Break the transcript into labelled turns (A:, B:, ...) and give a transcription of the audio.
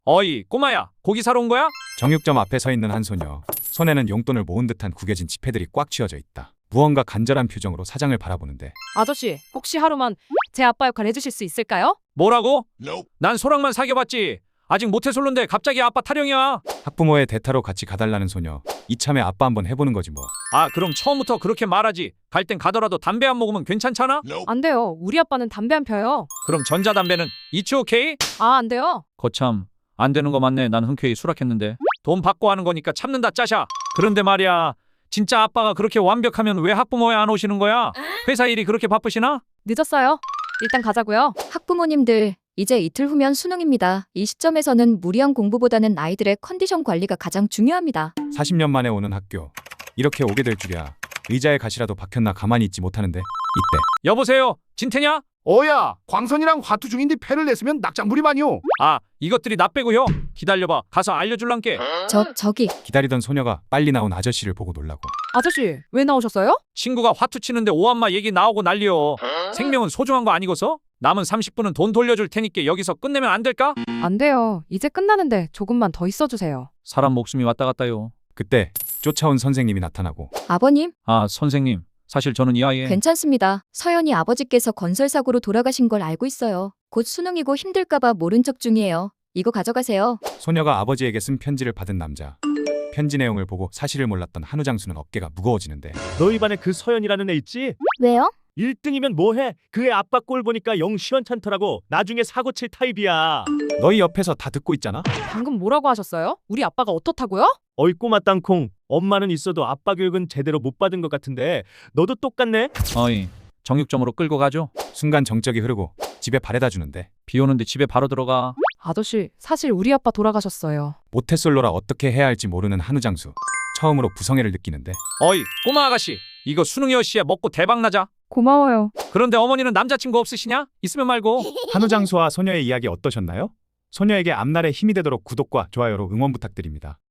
A: 어이 꼬마야, 고기 사러 온 거야?
B: 정육점 앞에 서 있는 한 소녀. 손에는 용돈을 모은 듯한 구겨진 지폐들이 꽉 쥐어져 있다. 무언가 간절한 표정으로 사장을 바라보는데
C: 아저씨, 혹시 하루만 제 아빠 역할 해주실 수 있을까요?
A: 뭐라고? 난 소랑만 사귀어봤지. 아직 모태솔로인데 갑자기 아빠 타령이야.
B: 학부모의 대타로 같이 가달라는 소녀. 이참에 아빠 한번 해보는 거지 뭐.
A: 아 그럼 처음부터 그렇게 말하지. 갈 땐 가더라도 담배 안 먹으면 괜찮잖아?
C: 안 돼요. 우리 아빠는 담배 안 펴요.
A: 그럼 전자담배는 이츠 오케이?
C: 아, 안 돼요.
A: 거참 안 되는 거 맞네. 난 흔쾌히 수락했는데. 돈 받고 하는 거니까 참는다 짜샤. 그런데 말이야, 진짜 아빠가 그렇게 완벽하면 왜 학부모에 안 오시는 거야? 회사 일이 그렇게 바쁘시나?
C: 늦었어요. 일단 가자고요.
D: 학부모님들, 이제 이틀 후면 수능입니다. 이 시점에서는 무리한 공부보다는 아이들의 컨디션 관리가 가장 중요합니다.
B: 40년 만에 오는 학교. 이렇게 오게 될 줄이야. 의자에 가시라도 박혔나 가만히 있지 못하는데. 이때
A: 여보세요? 진태냐?
E: 어야, 광선이랑 화투 중인데 패를 냈으면 낙장불입 아니오.
A: 아 이것들이 나 빼고요. 기다려봐. 가서 알려줄란게.
D: 저기
B: 기다리던 소녀가 빨리 나온 아저씨를 보고 놀라고.
C: 아저씨, 왜 나오셨어요?
A: 친구가 화투 치는데 오한마 얘기 나오고 난리요. 생명은 소중한 거 아니고서? 남은 30분은 돈 돌려줄 테니까 여기서 끝내면 안 될까?
C: 안 돼요. 이제 끝나는데 조금만 더 있어주세요.
A: 사람 목숨이 왔다 갔다요.
B: 그때 쫓아온 선생님이 나타나고
D: 아버님,
A: 아 선생님, 사실 저는 이 아이의
D: 괜찮습니다. 서연이 아버지께서 건설사고로 돌아가신 걸 알고 있어요. 곧 수능이고 힘들까봐 모른 척 중이에요. 이거 가져가세요.
B: 소녀가 아버지에게 쓴 편지를 받은 남자. 편지 내용을 보고 사실을 몰랐던 한우 장수는 어깨가 무거워지는데
F: 너희 반에 그 서연이라는 애 있지?
D: 왜요?
F: 1등이면 뭐해? 그 애 아빠 꼴 보니까 영 시원찮더라고. 나중에 사고 칠 타입이야.
B: 너희 옆에서 다 듣고 있잖아?
C: 방금 뭐라고 하셨어요? 우리 아빠가 어떻다고요?
F: 어이 꼬마 땅콩. 엄마는 있어도 아빠 교육은 제대로 못 받은 것 같은데 너도 똑같네?
A: 어이 정육점으로 끌고 가죠.
B: 순간 정적이 흐르고 집에 바래다 주는데
A: 비 오는데 집에 바로 들어가.
C: 아저씨, 사실 우리 아빠 돌아가셨어요.
B: 모태솔로라 어떻게 해야 할지 모르는 한우 장수. 처음으로 부성애를 느끼는데
A: 어이 꼬마 아가씨, 이거 수능여 씨야. 먹고 대박 나자.
C: 고마워요.
A: 그런데 어머니는 남자친구 없으시냐? 있으면 말고.
B: 한우 장수와 소녀의 이야기 어떠셨나요? 소녀에게 앞날에 힘이 되도록 구독과 좋아요로 응원 부탁드립니다.